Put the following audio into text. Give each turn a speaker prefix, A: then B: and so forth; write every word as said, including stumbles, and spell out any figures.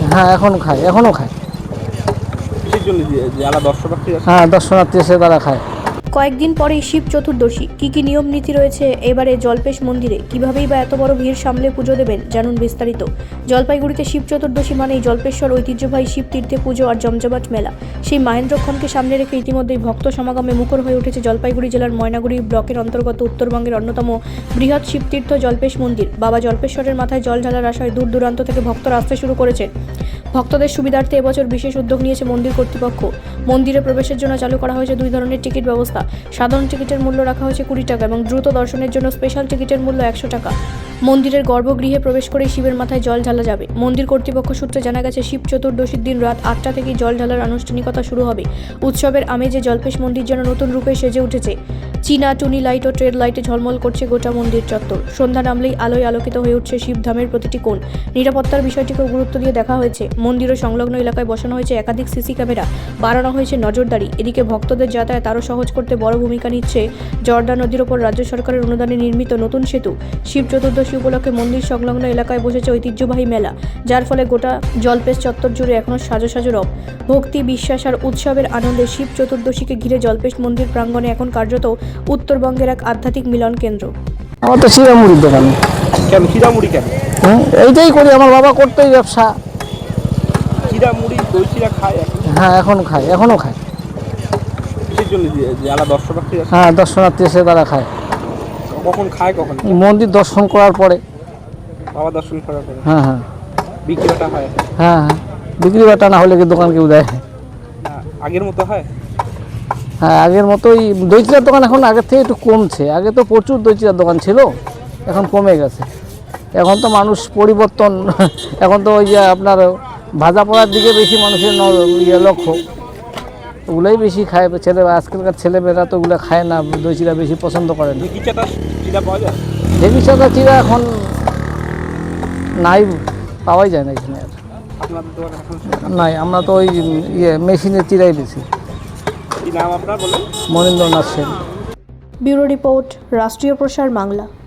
A: হ্যাঁ এখনো খায়, এখনো খায়।
B: কিসের জন্য যারা দর্শনার্থী আছে?
A: হ্যাঁ দর্শনার্থী এসে তারা খায়।
C: কয়েকদিন পরেই শিব চতুর্দশী, কী কী নিয়ম নীতি রয়েছে এবারে জল্পেশ মন্দিরে, কিভাবেই বা এত বড় ভিড় সামলে পুজো দেবেন, জানুন বিস্তারিত। জলপাইগুড়িতে শিব চতুর্দশী মানেই জল্পেশ্বর ঐতিহ্যবাহী শিব তীর্থে পুজো আর জমজমাট মেলা। সেই মহেন্দ্রক্ষণকে সামনে রেখে ইতিমধ্যেই ভক্ত সমাগমে মুখর হয়ে উঠেছে জলপাইগুড়ি জেলার ময়নাগুড়ি ব্লকের অন্তর্গত উত্তরবঙ্গের অন্যতম বৃহৎ শিবতীর্থ জল্পেশ মন্দির। বাবা জল্পেশ্বরের মাথায় জল ঢালার আশায় দূর দূরান্ত থেকে ভক্তরা আসতে শুরু করেছেন। ভক্তদের সুবিধার্থে এবছর বিশেষ উদ্যোগ নিয়েছে মন্দির কর্তৃপক্ষ। মন্দিরে প্রবেশের জন্য চালু করা হয়েছে দুই ধরনের টিকিট ব্যবস্থা। সাধারণ টিকিটের মূল্য রাখা হয়েছে কুড়ি টাকা এবং দ্রুত দর্শনের জন্য স্পেশাল টিকিটের মূল্য একশো টাকা। মন্দিরের গর্ভগৃহে প্রবেশ করে শিবের মাথায় জল ঢালা যাবে। মন্দির কর্তৃপক্ষ সূত্রে জানা গেছে, শিব চতুর্দশীর দিন রাত আটটা থেকেই জল ঢালার আনুষ্ঠানিকতা শুরু হবে। উৎসবের আমেজে জল্পেশ মন্দির যেন নতুন রূপে সেজে উঠেছে। চীনা টুনি লাইট ও ট্রেড লাইটে ঝলমল করছে গোটা মন্দির চত্বর। সন্ধ্যা নামলেই আলোয় আলোকিত হয়ে উঠছে শিবধামের প্রতিটি কোণ। নিরাপত্তার বিষয়টিকেও গুরুত্ব দিয়ে দেখা হয়েছে। মন্দির ও সংলগ্ন এলাকায় বসানো হয়েছে একাধিক সিসি ক্যামেরা, বাড়ানো হয়েছে নজরদারি। এদিকে ভক্তদের যাতায়াত আরও সহজ করতে বড় ভূমিকা নিচ্ছে জর্দা নদীর ওপর রাজ্য সরকারের অনুদানে নির্মিত নতুন সেতু। শিব চতুর্দশী উপলক্ষে মন্দির সংলগ্ন এলাকায় বসেছে ঐতিহ্যবাহী মেলা, যার ফলে গোটা জলপেশ চত্বর জুড়ে এখনও সাজো সাজো রব। ভক্তি, বিশ্বাস আর উৎসবের আনন্দে শিব চতুর্দশীকে ঘিরে জলপেশ মন্দির প্রাঙ্গণে এখন কার্যত উত্তরবঙ্গের এক আধ্যাত্মিক মিলন কেন্দ্র।
A: আমার তো চিরামুড়ির দোকান।
B: কেন চিরামুড়ি কেন?
A: হুম এইটাই করি, আমার বাবা করতেই ব্যবসা।
B: চিরামুড়ি দই চিরা খায় এখন?
A: হ্যাঁ এখনো খায়, এখনো খায়।
B: কিসের জন্য যারা দর্শনার্থী আছে?
A: হ্যাঁ দর্শনার্থী এসে তারা খায়।
B: কখন খায় কখন?
A: মন্দির দর্শন করার পরে।
B: বাবা দর্শন করার পরে?
A: হ্যাঁ হ্যাঁ
B: বিক্রিটা হয়?
A: হ্যাঁ হ্যাঁ বিক্রি বাটা না হলে কি দোকান কেউ দেয়?
B: আগের মতো হয়?
A: হ্যাঁ আগের মতোই। দই চিরার দোকান এখন আগের থেকে একটু কমছে। আগে তো প্রচুর দই চিরার দোকান ছিল, এখন কমে গেছে। এখন তো মানুষ পরিবর্তন, এখন তো ওই যে আপনার ভাজা পড়ার দিকে বেশি মানুষের ইয়ে লক্ষ্য, ওগুলোই বেশি খায় ছেলে। আজকালকার ছেলেমেয়েরা তো ওগুলো খায় না, দই চিরা বেশি পছন্দ করে না।
B: ঢেঁকি চাটা চিরা পাওয়া যায়?
A: ঢেঁকি চাটা চিরা এখন নাই, পাওয়াই যায় না এখানে আর।
B: আপনাদের দোকানে এখন
A: নাই, আমরা তো ওই ইয়ে মেশিনের চিরাই বেশি।
B: কি নাম আপনার বলেন?
A: মনীন্দ্রনাথ সেন।
C: ব্যুরো রিপোর্ট, রাষ্ট্রীয় প্রসার বাংলা।